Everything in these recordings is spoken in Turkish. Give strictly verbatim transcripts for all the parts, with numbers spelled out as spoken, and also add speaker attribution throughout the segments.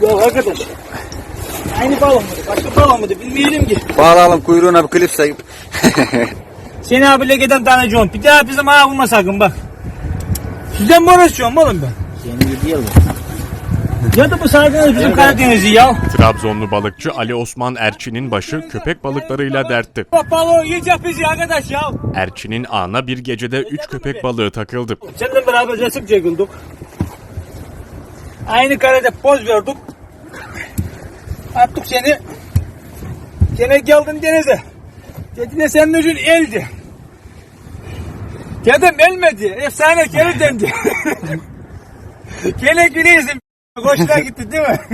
Speaker 1: Ya arkadaş. Aynı balon mıydı? Başka balon mıydı? Bilmeyelim ki.
Speaker 2: Bağlayalım kuyruğuna bir klip sayıp.
Speaker 1: Seni abiyle giden tanıcığım. Bir daha bizim ağa vurma sakın bak. Sizden mi uğraşıyorum oğlum ben?
Speaker 2: Senin gibi değil mi?
Speaker 1: Ya da bu saydığınız bizim Karadeniz'i ya.
Speaker 3: Trabzonlu balıkçı Ali Osman Erçin'in başı köpek balıklarıyla dertti.
Speaker 1: Bak balığı yiyecek bizi arkadaş ya.
Speaker 3: Erçin'in ağına bir gecede üç köpek balığı takıldı.
Speaker 1: Seninle beraber resim çekildik. Aynı karede poz verdik. Attık seni. Gene geldin denize. Dedi de senin ucun eldi. Dedim elmedi. Efsane geri döndü. Gene güleyizim. Hoşuna gitti değil mi?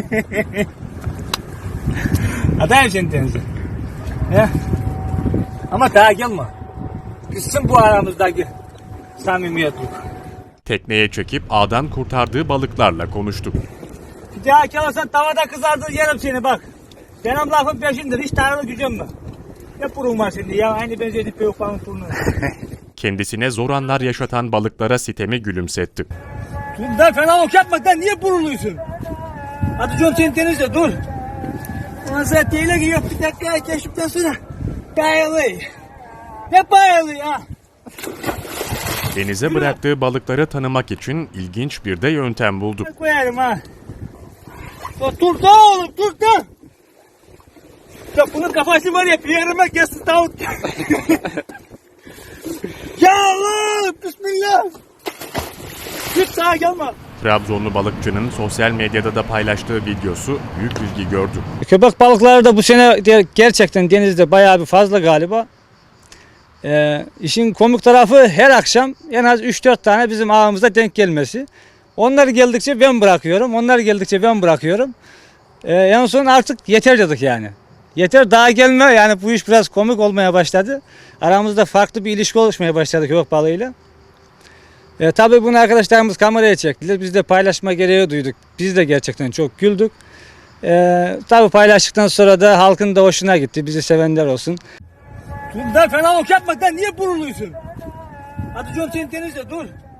Speaker 1: Adayım seni denize. He? Ama daha gelme. Bitsin bu aramızdaki samimiyetlik.
Speaker 3: Tekneye çekip ağdan kurtardığı balıklarla konuştu.
Speaker 1: Bir daha kalırsan tavada kızardır yerim seni bak. Benim lafım peşindir. Hiç tanrılı gücüm var. Ne burun var şimdi ya? Aynı benzedi peyuk falan turnu.
Speaker 3: Kendisine zor anlar yaşatan balıklara sitemi gülümsetti.
Speaker 1: Dur da fena ok yapma da niye buruluyorsun? Hadi John sen denizde dur. Ama sen değil ki yok bir dakika keşiften sonra. Bayılıyor. Ne bayılıyor ha?
Speaker 3: Denize bıraktığı balıkları tanımak için ilginç bir de yöntem buldu.
Speaker 1: Koyarım ha. Ya dur da oğlum dur da. Ya bunun kafası var ya bir yerime kesin tavuk. Ya Allah bismillah. Git sağa gelme.
Speaker 3: Trabzonlu balıkçının sosyal medyada da paylaştığı videosu büyük ilgi gördü.
Speaker 1: Köpek balıkları da bu sene gerçekten denizde bayağı bir fazla galiba. Ee, işin komik tarafı her akşam en az üç dört tane bizim ağımızda denk gelmesi. Onlar geldikçe ben bırakıyorum, onlar geldikçe ben bırakıyorum. Ee, en son artık yeter dedik yani. Yeter daha gelme yani bu iş biraz komik olmaya başladı. Aramızda farklı bir ilişki oluşmaya başladı köpek balığıyla. Ee, tabii bunu arkadaşlarımız kameraya çektiler. Biz de paylaşma gereği duyduk. Biz de gerçekten çok güldük. Ee, tabii paylaştıktan sonra da halkın da hoşuna gitti. Bizi sevenler olsun. Dur da fena ok yapma da niye buruluyorsun? Hadi John sen denizde dur.